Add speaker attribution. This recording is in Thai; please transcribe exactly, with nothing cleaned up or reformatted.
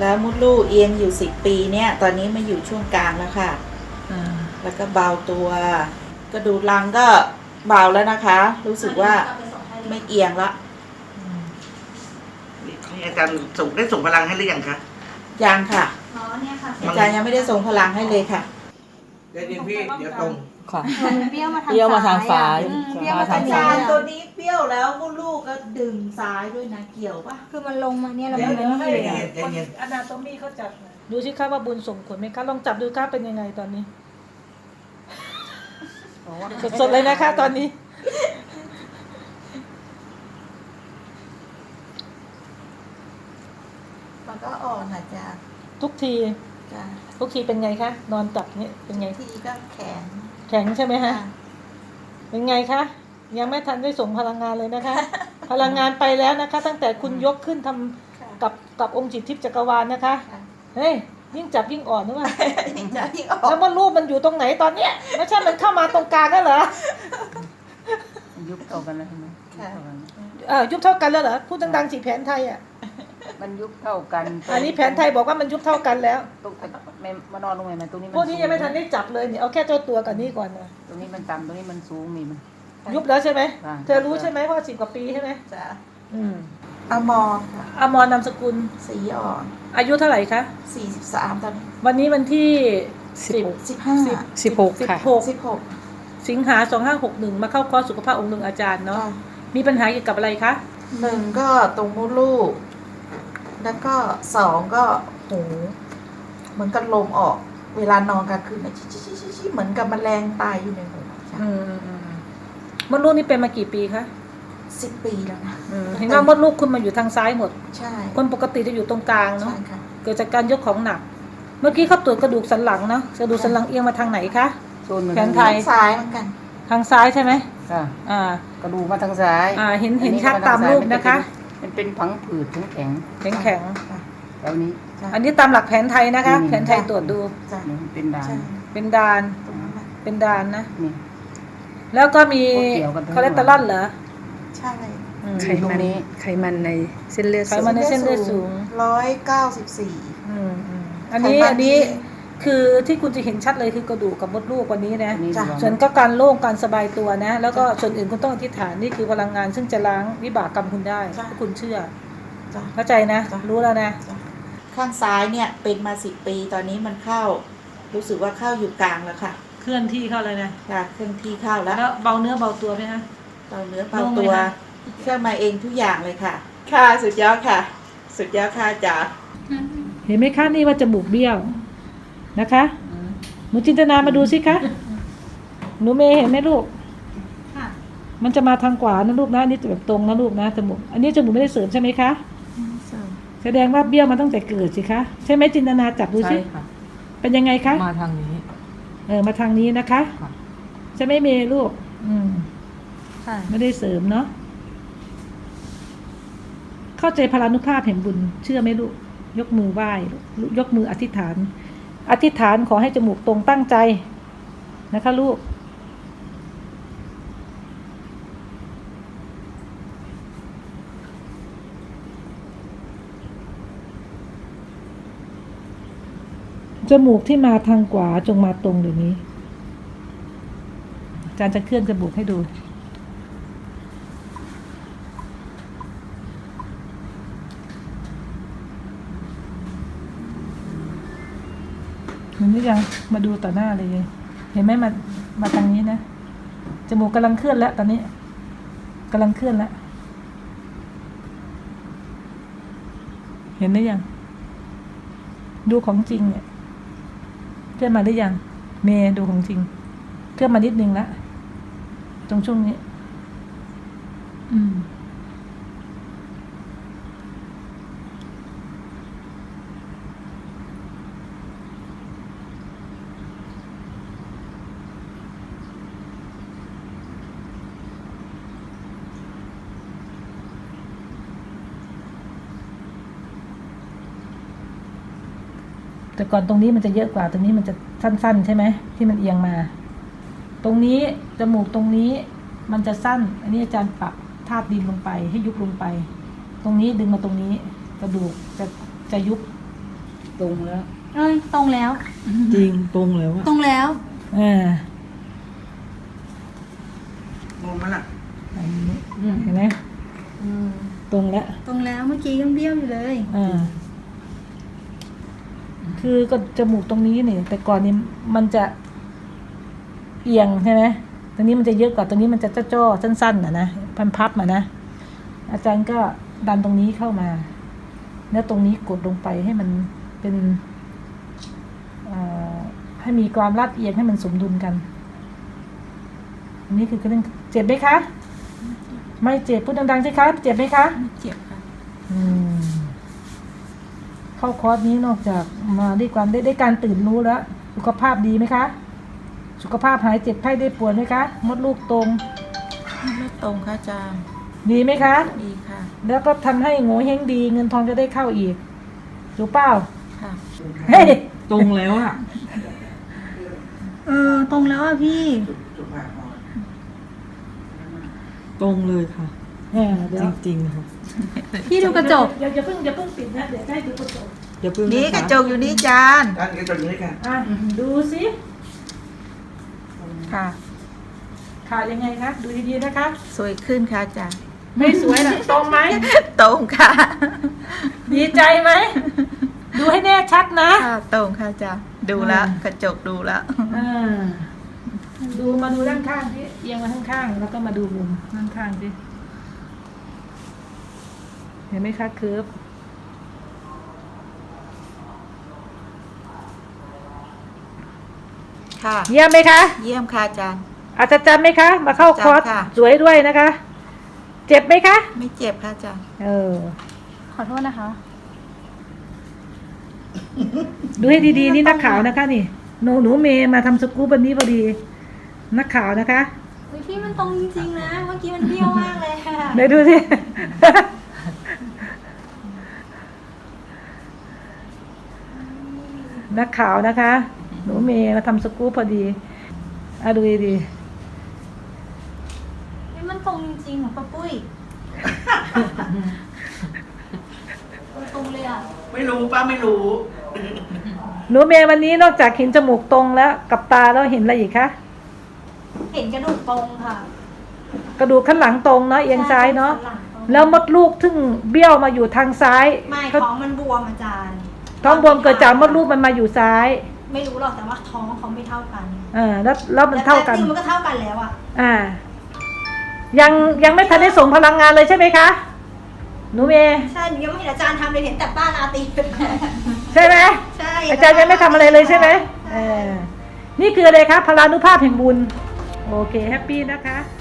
Speaker 1: แล้วมดลูกเอียงอยู่สิบปีเนี่ยตอนนี้มาอยู่ช่วงกลางแล้วค่ะแล้วก็เบาตัวกระดูกรังก็เบาแล้วนะคะรู้สึกว่าไม่เอียงละ
Speaker 2: อาจารย์ส่งได้ส่งพลังให้หรือยังคะ
Speaker 1: ยังค่ะ
Speaker 3: อ๋อเนี่ยค่ะ
Speaker 1: อาจารย์ยังไม่ได้ส่งพลังให้เลยค่ะ
Speaker 2: เดี๋ยวพี่เดี๋ยวตรง
Speaker 4: ค่ะ
Speaker 3: เปรี้ยวมาทาง
Speaker 4: เปรี้ยวมาทางซ้าย
Speaker 3: เปรี้ยวมา
Speaker 1: อา
Speaker 3: ทาง
Speaker 1: จา
Speaker 3: ซ้าร ย
Speaker 1: ย์ตัวนี้เปรี้ยวแล้วมดลูกก็ดึงซ้ายด้วยนะเกี่ยวปะ
Speaker 3: คือมันลงมาเนี่ยเรา
Speaker 2: เดี๋ยว
Speaker 3: ไม่
Speaker 2: เดี๋ยว
Speaker 3: ได้
Speaker 2: ให้
Speaker 3: เห็น
Speaker 2: ใจเย็น
Speaker 5: อนาโตมีเขาจัดดูสิคะว่าบุญส่งผลไหมคะลองจับดูค่ะเป็นยังไงตอนนี้สดๆเลยนะคะตอนนี้
Speaker 1: มันก็อ่อนนะจ๊ะ
Speaker 5: ทุกที
Speaker 1: จ้ะ
Speaker 5: ทุกทีเป็นไงคะนอนจับนี่เป็นไง
Speaker 1: ทีก็แข็ง
Speaker 5: แข็งใช่ไหมฮะ
Speaker 1: ค่ะ
Speaker 5: เป็นไงคะยังไม่ทันได้ส่งพลังงานเลยนะคะ พลังงานไปแล้วนะคะ ตั้งแต่คุณยกขึ้นทำกับกับองค์จิตทิพย์จักรวาลนะคะเฮ้ยยิ่งจับยิ่งอ่อนนึกว่า
Speaker 1: ยิ่งจะยิ่งออ
Speaker 5: แล้
Speaker 1: ก
Speaker 5: วมันรูปมันอยู่ตรงไหนตอนเนี้ยไม่ใช่มันเข้ามาตรงกลางนั่นเหรอ
Speaker 4: ยุบเท่ากันแล้วใช่ไหม
Speaker 1: ค่ะ
Speaker 5: เออยุบเท่ากันแล้วเหรอพูดดังๆสิแผนไทยอ่ะ
Speaker 4: มันยุบเท่ากัน
Speaker 5: อันนี้แผนไทยบอกว่ามันยุบเท่ากันแล้ว
Speaker 4: ตรงไม่มานอนลงไปมันตรงนี้
Speaker 5: พวกนี้ยังไม่ทันได้จับเลยเนี่ยเอาแค่เจ้าตัวกับนี้ก่อนนะ
Speaker 4: ตรงนี้มันต่ำตรงนี้มันสูงมีมัน
Speaker 5: ยุบแล้วใช่ไหม
Speaker 4: ค่ะ
Speaker 5: เธอรู้ใช่ไหมเพราะสิบกว่าปีใช่ไหม
Speaker 1: จ้ะ
Speaker 5: อืม
Speaker 1: อมรค่ะ
Speaker 5: อมรนามสกุล
Speaker 1: สีอ่อน
Speaker 5: อายุเท่าไหร่คะ
Speaker 1: สี่สิบสามตอนนี้
Speaker 5: วันนี้วันที่สิบ
Speaker 1: สิบห้า
Speaker 4: สิบหก
Speaker 5: สิบ
Speaker 4: ค่ะ
Speaker 5: หก
Speaker 1: สิบหก
Speaker 5: สิงหาสองห้าหกหนึ่งมาเข้าคอร์สสุขภาพองค์หนึ่งอาจารย์เนาะ
Speaker 1: จ้ะ
Speaker 5: มีปัญหาเกี่ยวกับอะไรคะ
Speaker 1: หนึ่งก็ตรงมดลูก แล้วก็สองก็หูเหมือนกับลมออก เวลานอนกลางคืนนะชิชิชิชิชิเหมือนกับแมลงตายอยู่ในหูจ้ะ
Speaker 5: อืมอืมมดลูกนี่เป็นมากี่ปีคะ
Speaker 1: สิบปีแล้วนะ
Speaker 5: อืมเห็นว่ามดลูกคุณมาอยู่ทางซ้ายหมด
Speaker 1: ใช่
Speaker 5: คนปกติจะอยู่ตรงกลางเนาะ
Speaker 1: ใช่ค่ะ
Speaker 5: เกิดจากการยกของหนัก เมื่อกี้เขาตรวจกระดูกสันหลังเนาะกระดูกสันหลังเอียงมาทางไหนคะ
Speaker 4: โซนมัน
Speaker 5: แขนไทย
Speaker 1: ซ้ายเหมือนกัน
Speaker 5: ทางซ้ายใช่ไหม
Speaker 4: ค่ะ
Speaker 5: อ่า
Speaker 4: กระดูกมาทางซ้าย
Speaker 5: อ่าเห็นเห็น
Speaker 4: อั
Speaker 5: ชัดตามรูปนะคะ
Speaker 4: มันเป็นผังผืดแข็ง
Speaker 5: แข็งแข็ง
Speaker 4: แล้วนี้
Speaker 5: อันนี้ตามหลักแผนไทยนะคะ
Speaker 4: อืม
Speaker 5: แผนไทยตรวจดู
Speaker 1: จ้ะ
Speaker 4: นี่มันเป็นดาน
Speaker 1: ใช่
Speaker 5: เป็นดาน
Speaker 1: ตรงนั้นแหละ
Speaker 5: เป็นดานนะ
Speaker 4: นี่
Speaker 5: แล้วก็มี
Speaker 4: พวกเกี่ยวกันทั้งหมด
Speaker 5: คอเลสเตอรอลเหรอ
Speaker 1: ใช่
Speaker 5: อืม
Speaker 4: ไขมันไขมันในเส้นเลือด
Speaker 5: ไขมัน ในเส้เลือดสูง
Speaker 1: ร้อยเก้าสิบสี่
Speaker 5: อืมอืมอันนี้
Speaker 1: ไขมัน
Speaker 5: อันนี้
Speaker 1: ดี
Speaker 5: คือที่คุณจะเห็นชัดเลยคือกระดูกกับมดลูกวันนี้นะ
Speaker 4: นี่
Speaker 1: จ้ะ
Speaker 5: ส่วนก็การโล่งการสบายตัวนะ แล้วก็ส่วนอื่นคุณต้องอธิษฐานนี่คือพลังงานซึ่งจะล้างวิบากกรรมคุณได้
Speaker 1: จ้ะ
Speaker 5: ถ้าคุณเชื่อ
Speaker 1: จ้ะ
Speaker 5: เข้าใจนะ
Speaker 1: จ้ะ
Speaker 5: รู้แล้วนะ
Speaker 1: ข้างซ้ายเนี่ยเป็นมาสิบปีตอนนี้มันเข้า รู้สึกว่าเข้าอยู่กลางแล้วค่ะ
Speaker 5: เคลื่อนที่เข้าเลยนะ
Speaker 1: ค่ะเครื่องที่เข้าแล้ว
Speaker 5: แล้วเบาเนื้อเบาตัวไหมคะ
Speaker 1: เบาเนื้อเบา
Speaker 5: โล่งไหม
Speaker 1: ตัว
Speaker 5: คะ
Speaker 1: เครื่องมาเองทุกอย่างเลยค่ะ ค่ะสุดยอดค่ะ สุดยอดค่ะจ๋า
Speaker 5: เห็นไหมคะนี่ว่าจมูกเบี้ยวนะคะหนูจินตนามาดูสิคะหนูเมย์เห็นไหมลูก
Speaker 3: ค่ะ
Speaker 5: มันจะมาทางขวานะลูกนะอันนี้จะแบบตรงนะลูกนะจมูกอันนี้จมูกไม่ได้เสริมใช่ไหมคะแสดงว่าเบี้ยวมาตั้งแต่เกิดสิคะใช่ไหมจินตนาจับดูสิ
Speaker 4: ใช่ค่ะ
Speaker 5: เป็นยังไงคะ
Speaker 4: มาทางนี้
Speaker 5: เออมาทางนี้นะคะ
Speaker 4: ค่ะ
Speaker 5: ใช่ไหมเมย์ลูก อืม
Speaker 3: ค่ะ
Speaker 5: ไม่ได้เสริมเนาะเข้าใจพลานุภาพแห่งบุญเชื่อไหมลูกยกมือไหว้ลูกยกมืออธิษฐาน อธิษฐานขอให้จมูกตรงตั้งใจนะคะลูกจมูกที่มาทางขวาจงมาตรงเดี๋ยวนี้อาจารย์จะเคลื่อนจมูกให้ดูเห็นหรือยังมาดูต่อหน้าเลย เห็นไหมมามาทางนี้นะจมูกกำลังเคลื่อนแล้วตอนนี้กำลังเคลื่อนแล้วเห็นหรือยังดูของจริงเนี่ยเคลื่อนมาหรือยังเมย์ดูของจริงเคลื่อนมานิดนึงแล้วตรงช่วงนี้อืมแต่ก่อนตรงนี้มันจะเยอะกว่าตรงนี้มันจะสั้นๆใช่ไหมที่มันเอียงมา ตรงนี้จมูกตรงนี้มันจะสั้นอันนี้อาจารย์ปรับธาตุดินลงไปให้ยุบลงไป ตรงนี้ดึงมาตรงนี้กระดูกจะจะยุบ
Speaker 4: ตรงแล้ว
Speaker 3: เอ้ยตรงแล้ว
Speaker 5: จริงตรงเลยว่ะ
Speaker 3: ตรงแล้ว
Speaker 5: อ่าง
Speaker 2: งไหมล่ะ
Speaker 5: เห็นไหม
Speaker 3: อืม
Speaker 5: ตรงแล้ว
Speaker 3: ตรงแล้วเมื่อกี้ยังเบี้ยวอยู่เลย
Speaker 5: อ่า คือก็จมูกตรงนี้นี่แต่ก่อนนี้มันจะเอียงใช่ไหมตรงนี้มันจะเยอะกว่าตรงนี้มันจะจ้อๆสั้นๆอ่ะนะพันพับมานะอาจารย์ก็ดันตรงนี้เข้ามา แล้วตรงนี้กดลงไปให้มันเป็นอ่าให้มีความลาดเอียงให้มันสมดุลกันอันนี้คือเรื่องเจ็บไหมคะ ไม่เจ็บพูดดังๆสิคะเจ็บไหมคะ
Speaker 3: เจ็บค่ะ
Speaker 5: อืมเข้าคอร์สนี้นอกจากมาด้วยความได้ได้การตื่นรู้แล้ว สุขภาพดีไหมคะ สุขภาพหายเจ็บไข้ได้ป่วยไหมคะ มดลูกตรง
Speaker 6: ไม่ตรงค่ะอาจารย์
Speaker 5: ดีไหมคะ
Speaker 6: ดีค่ะ
Speaker 5: แล้วก็ทำให้โง่เฮงดี เงินทองจะได้เข้าอีกถูกเปล่า
Speaker 6: ค่ะ
Speaker 5: เฮ้ย
Speaker 7: ตรงแล้วอะ
Speaker 3: เออตรงแล้วอ่ะพี่
Speaker 2: สุภาพพอ
Speaker 7: ตรงเลยค่ะ
Speaker 5: เออเดี๋ยว
Speaker 7: จริงๆค่ะ
Speaker 3: พี่ดูกระจก
Speaker 5: อย่าอย่าเพิ่งอย่าเพิ่งปิดนะเดี๋ยวจะให้ดูกระจก
Speaker 7: อย่าเพิ่ง
Speaker 6: นี่
Speaker 7: นะ
Speaker 6: กระ
Speaker 7: คะ
Speaker 6: จกอยู่นี่อาจารย์
Speaker 2: ด้านกระจกนี้ค่ะ
Speaker 5: อ่ะดูสิ
Speaker 6: ค่ะ
Speaker 5: ขายังไงคะดูดีๆนะคะ
Speaker 6: สวยขึ้นค่ะอาจารย์
Speaker 5: ไม่สวยหรอกตรงไหม
Speaker 6: ตรงค่ะ
Speaker 5: ดีใจไหมดูให้แน่ชัดนะ
Speaker 6: ค่ะ ตรงค่ะอาจารย์ ดูแล้วกระจกดูแล้ว
Speaker 5: อ่าดูมาดูด้านข้างที่เอียงมาข้างข้างๆแล้วก็มาดูมุมด้านข้างสิเห็นไหมคะเคิร์ฟ
Speaker 6: ค่ะ
Speaker 5: เยี่ยมไหมคะ
Speaker 6: เยี่ยมค่ะอาจารย์
Speaker 5: อาจจะจำไหมคะ มาเข้าคอร์ส
Speaker 6: จำค่ะ
Speaker 5: สวยด้วยนะคะ เจ็บไหมคะ
Speaker 6: ไม่เจ็บค่ะอาจารย์
Speaker 5: เออ
Speaker 3: ขอโทษนะคะ
Speaker 5: ดูให้ดีๆนี่นักข่าวนะคะ นี่หนูหนูเมย์มาทำสกู๊ปวันนี้พอดี นักข่าวนะคะ
Speaker 3: เฮ้ยพี่มันตรงจริงๆนะ เมื่อกี้มันเบี้ยวมากเลยค่ะ
Speaker 5: เดี๋ยวดูสิ นักข่าวนะคะ หนูเมย์มาทำสกู๊ปพอดีอ่ะดูดี
Speaker 3: เฮ้ยมันตรงจริงๆของป้าปุ้ยตรงเลยอ่ะ
Speaker 2: ไม่รู้ป้าไม่รู้
Speaker 5: ๆหนูเมย์วันนี้นอกจากเห็นจมูกตรงแล้วกับตาแล้วเห็นอะไรอีกคะ
Speaker 3: เห็นกระดูกตรงค่ะ
Speaker 5: กระดูกข้างหลังตรงเนาะเอียงซ้ายเนาะ
Speaker 3: ใช่หลังตรง
Speaker 5: แล้วมดลูกทึ่งเบี้ยวมาอยู่ทางซ้าย
Speaker 3: ไม่
Speaker 5: เขา
Speaker 3: ท้องมันบวมอาจารย์
Speaker 5: ท้องบวมเกิดจากมดลูกมันมาอยู่ซ้าย
Speaker 3: ไม่รู้หรอกแต่ว่าท้องเขาไม่เท่ากัน
Speaker 5: เออแล้วแล้วมันเท่ากัน
Speaker 3: แต่จริงมันก็เท่ากันแล้วอ่ะ
Speaker 5: อ่า ยังยังไม่ทันได้ส่งพลังงานเลยใช่ไหมคะหนูเมย์
Speaker 3: ใช่หนูยังไม่เห็นอาจารย์ทำเลยเห็นแต่ป้าราตรี
Speaker 5: ใช่ไหม
Speaker 3: ใช่
Speaker 5: อาจารย์ยังไม่ทำอะไรเลยใช่ไหมเออนี่คืออะไรคะพลานุภาพแห่งบุญ โอเค แฮปปี้นะคะ